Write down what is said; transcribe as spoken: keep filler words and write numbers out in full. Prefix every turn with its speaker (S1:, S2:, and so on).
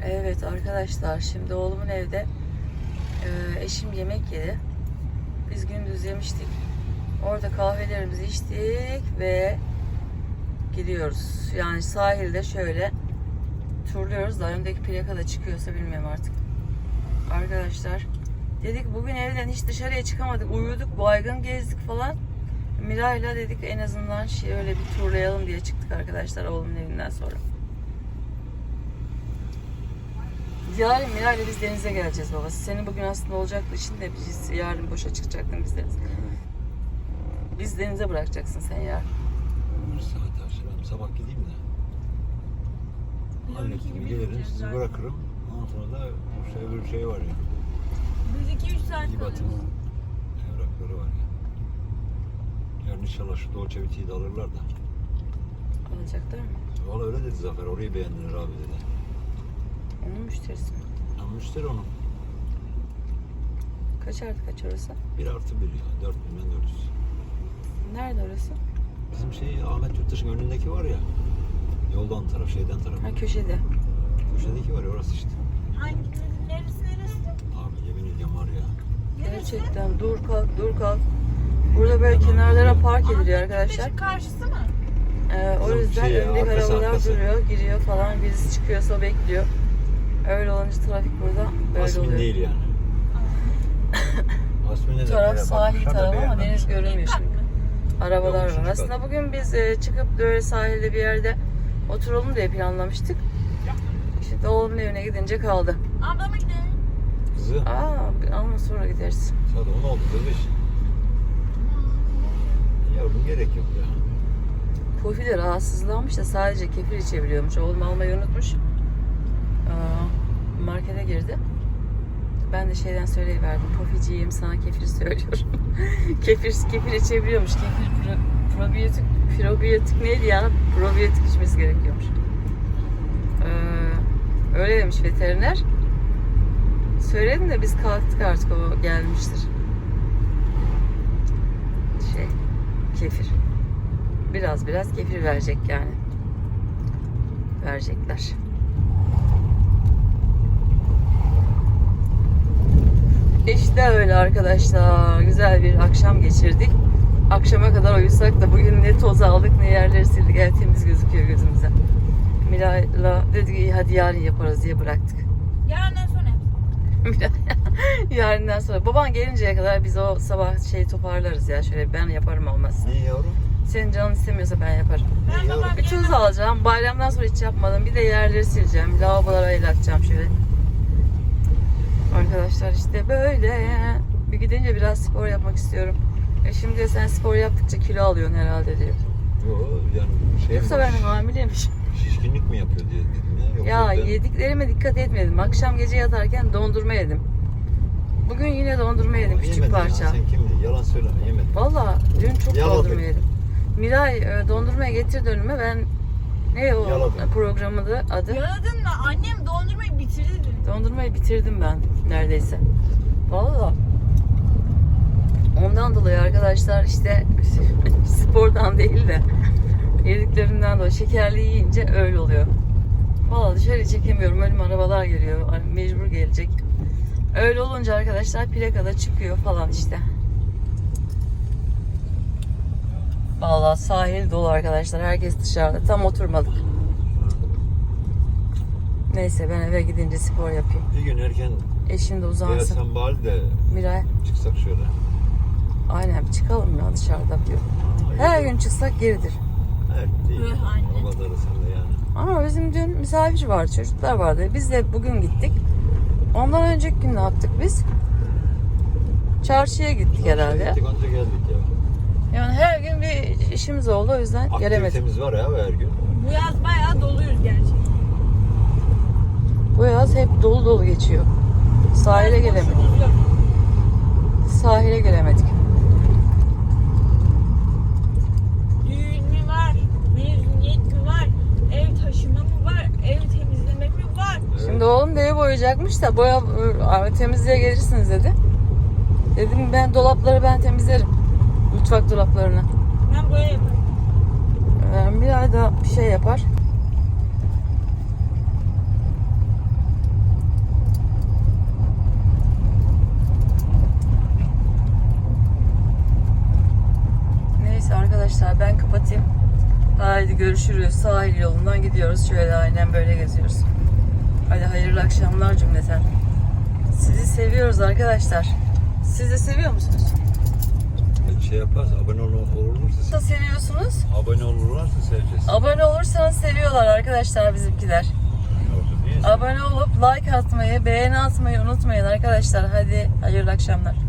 S1: Evet arkadaşlar, şimdi oğlumun evde e, eşim yemek yedi. Biz gündüz yemiştik. Orada kahvelerimizi içtik ve gidiyoruz. Yani sahilde şöyle turluyoruz da öndeki plaka da çıkıyorsa bilmiyorum artık. Arkadaşlar dedik bugün evden hiç dışarıya çıkamadık. Uyuduk, baygın gezdik falan. Miray'la dedik en azından şey öyle bir turlayalım diye çıktık arkadaşlar oğlumun evinden sonra. Yarın Miray'la biz denize geleceğiz babası. Senin bugün aslında olacaktı işin de biz yarın boşa çıkacaktın biz denize. Biz denize bırakacaksın sen yarın.
S2: Bir saat arşı ben sabah gideyim de. Hallettim gelirim sizi bırakırım. Ondan sonra da şey, öbür şey var ya.
S3: Biz iki üç saat
S2: İbat'ın evrakları var ya. Yarın inşallah şu Dolce Vita'yı da alırlar da.
S1: Alacaklar mı?
S2: Valla öyle dedi Zafer, orayı beğendiler abi dedi.
S1: Onun müşterisi mi?
S2: Ama müşteri onun.
S1: Kaç artı kaç orası?
S2: Bir artı bir ya, dört bin dört yüz.
S1: Nerede orası?
S2: Bizim şey Ahmet Yurttaş'ın önündeki var ya. Yoldan taraf, şeyden taraf.
S1: Ha köşede.
S2: Köşedeki var ya, orası işte.
S3: Hangi neresi neresi?
S2: Abi yemin ediyorum var ya.
S1: Gerçekten dur kalk dur kalk. Burada böyle kenarlara park ediliyor arkadaşlar.
S3: Ahmet karşısı mı?
S1: Ee, o
S2: Bizim
S1: yüzden
S2: şey ya,
S1: öndeki
S2: arkası,
S1: arabalar
S2: arkası.
S1: duruyor, giriyor falan. Birisi çıkıyorsa bekliyor. Öyle olunca trafik burada böyle
S2: Asmin
S1: oluyor.
S2: değil yani. Asmin ne
S1: Taraf
S2: demek?
S1: sahil
S2: Bakmışlar da
S1: tarafı ama
S2: beğenmemişler.
S1: deniz görünmüyor şimdi. Arabalar
S2: Yok,
S1: var.
S2: üçüncü
S1: Aslında
S2: kat.
S1: bugün biz e, çıkıp böyle sahilde bir yerde oturalım diye planlamıştık. Şimdi oğlumun evine gidince kaldı.
S3: Ablama gidelim.
S2: Kızı
S1: Aa ama sonra gideriz.
S2: saat on oldu beş. Yavrum gerek yok ya.
S1: Pofi de rahatsızlanmış da sadece kefir içebiliyormuş. Oğlum almayı unutmuş. Aa, markete girdi. Ben de şeyden söyleyiverdim. Poficiyim sana kefir söylüyorum. kefir kefir içebiliyormuş. Kefir pro, probiyotik, probiyotik neydi ya? Probiyotik içmesi gerekiyormuş. Ee, öyle demiş veteriner. Söyledim de biz kalktık artık o gelmiştir. Şey, kefir. Biraz biraz kefir verecek yani. Verecekler. İşte öyle arkadaşlar. Güzel bir akşam geçirdik. Akşama kadar uyusak da bugün ne toz aldık ne yerleri sildik. Evet, temiz gözüküyor gözümüze. Miray'la dedik iyi hadi yarın yaparız diye bıraktık.
S3: Yarından sonra.
S1: Miray, yarından sonra. Baban gelinceye kadar biz o sabah şeyi toparlarız ya. Şöyle ben yaparım olmaz.
S2: Niye yavrum?
S1: Senin canın istemiyorsa ben yaparım.
S3: Ben
S2: yavrum?
S3: babam
S1: Bir tuz alacağım. Bayramdan sonra hiç yapmadım. Bir de yerleri sileceğim. Lavabolara el atacağım şöyle. Arkadaşlar işte böyle. Bir gidince biraz spor yapmak istiyorum. E şimdi de sen spor yaptıkça kilo alıyorsun herhalde diyor.
S2: Yok yani şey
S1: Yoksa
S2: mi var?
S1: ben hamileymişim.
S2: Şişkinlik mi yapıyor diye dedim ya. Yok,
S1: Ya
S2: yok,
S1: yediklerime dikkat etmedim. Akşam gece yatarken dondurma yedim. Bugün yine dondurma yedim. Küçük
S2: yemedin
S1: parça.
S2: Ya, sen kimdi? Yalan söyleme, yemedim.
S1: Valla dün çok
S2: Yaladın.
S1: dondurma yedim. Miray e, dondurmaya getirdi önüme. Ben ne o
S2: Yaladın.
S1: programı da adı?
S3: Yaladın mı? Annem dondurmayı bitirdi dedi.
S1: Dondurmayı bitirdim ben neredeyse. Valla. Ondan dolayı arkadaşlar işte spordan değil de yediklerimden dolayı şekerli yiyince öyle oluyor. Valla dışarı çekemiyorum. Önüme arabalar geliyor. Mecbur gelecek. Öyle olunca arkadaşlar plakada çıkıyor falan işte. Valla sahil dolu arkadaşlar. Herkes dışarıda. Tam oturmadık. Neyse ben eve gidince spor yapayım.
S2: Bir gün erken
S1: Eşim de uzansın.
S2: gelsen bari de
S1: Miray.
S2: çıksak şöyle.
S1: Aynen bir çıkalım ya dışarıda diyor. Her gün çıksak geridir.
S2: Evet değil.
S3: Öh anne.
S2: O kadarı sen de yani.
S1: Ama bizim dün misafir vardı, çocuklar vardı. Biz de bugün gittik. Ondan önceki gün ne yaptık biz? Çarşıya gittik herhalde.
S2: Gittik anca geldik ya.
S1: Yani her gün bir işimiz oldu o yüzden gelemedik.
S2: Aktivitemiz var ya her gün.
S3: Bu yaz bayağı doluyuz gerçekten.
S1: Bu yaz hep dolu dolu geçiyor. Sahile gelemedik.
S3: Boşumuz yok.
S1: Sahile gelemedik.
S3: Düğün mü var? Mezuniyet mi var? Ev taşıma mı var? Ev temizleme mi var?
S1: Şimdi oğlum da evi boyayacakmış da boya e, temizliğe gelirsiniz dedi. Dedim ben dolapları ben temizlerim. Mutfak dolaplarını.
S3: Ben boya yaparım.
S1: Ee, bir ay da bir şey yapar. arkadaşlar. Ben kapatayım. Haydi görüşürüz. Sahil yolundan gidiyoruz. Şöyle aynen böyle geziyoruz. Hadi hayırlı akşamlar cümleten. Sizi seviyoruz arkadaşlar. Siz de seviyor musunuz?
S2: Şey yaparsa abone ol olursa
S1: Nasıl seviyorsunuz?
S2: abone olurlarsa seveceğiz.
S1: Abone olursanız seviyorlar arkadaşlar bizimkiler. Abone olup like atmayı, beğeni atmayı unutmayın arkadaşlar. Hadi hayırlı akşamlar.